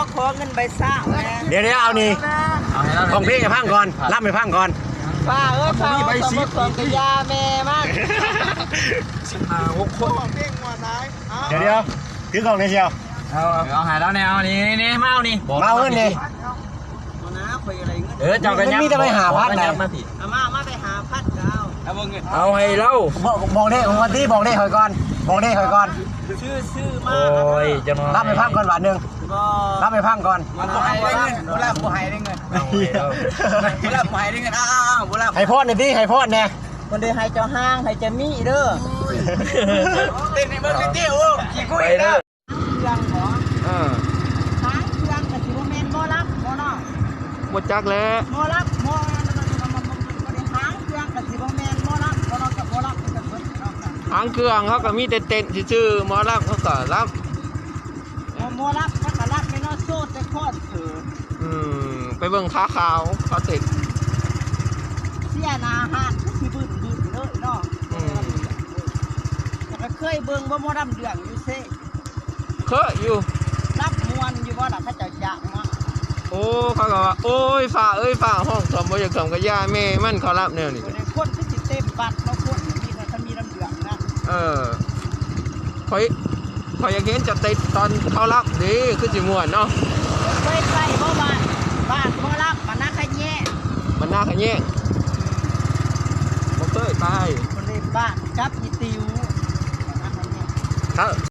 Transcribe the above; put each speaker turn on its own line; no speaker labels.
ขอเงินใบซ่า
เดี๋ยวเอานี่ของเพลงให้พังก่อนรับให้พังก่อน
ป้าป้าใบซีส่งกระยาแม่มาก
6 คนเพลงหัวท้าย
เดี๋ยวถือกล่องในเชียว
เอาหายแล้วเนี่ยเอานี่มาเอานี่
มาเอาเงินนี่
เจ้ากันยับ
มีแต่ไปหาพัดไหน
มาไปหาพัด
เอาให้เล่า
บอกได้วันที่บอกได้หอยก่อน
ชื่อมา
โอ้ยจะมา
รับไปพังก่อนบาทนึงรับไปพังก่อน
ผู้ให้ได้เงินเวลาผู้ให้ได้เงิน
ให้พ่อหน่อยดิให้พ่อเนี่ย
คนเดียวให้เจ้าห้างให้เจ้ามีเด้อเต้นในเมืองเตี้ยวขี้กุ้ยเด้อเครื่องหรอหางเครื่องกับสิบเมนโมรับโมนอ
หมดจักแล้ว
โมรับโมหางเครื่องกับสิบเมนโมรับโมนอกับโมรับ
หางเครื่องเขาก็มีเต้นชื่อหมอรับเขาก็รับ
โมรับเขาก็รับไม่นอโซ่แต่ข้อถือ
ไปเบิ่งขาขาวเขาติด
เสียนาฮะคือบึ้งเลยเนาะแต่เคยเบิ่งว่าโมรับเดือดอยู่เซ่
เคยอยู่
รับมวนอยู่ว่าล่ะเขาจะจังมา
โอ้เขาก็ว่าโอ้ยฝ่าห้องสมบูรณ์สมกับย่าแม่มันเขารับแนวนี้
คนที่ติดเต็มบัตรเขาคนมีแต่ถ้ามีน้ำเดือดนะ
คอยอยากเห็นจะติดตอนเขารับดีคือจิม่วนเนาะ
เคยไปเพราะบ้านเขารับมันน่าขยแย่
บ่เคยไป
คนในบ้านกับอีติว
ครับ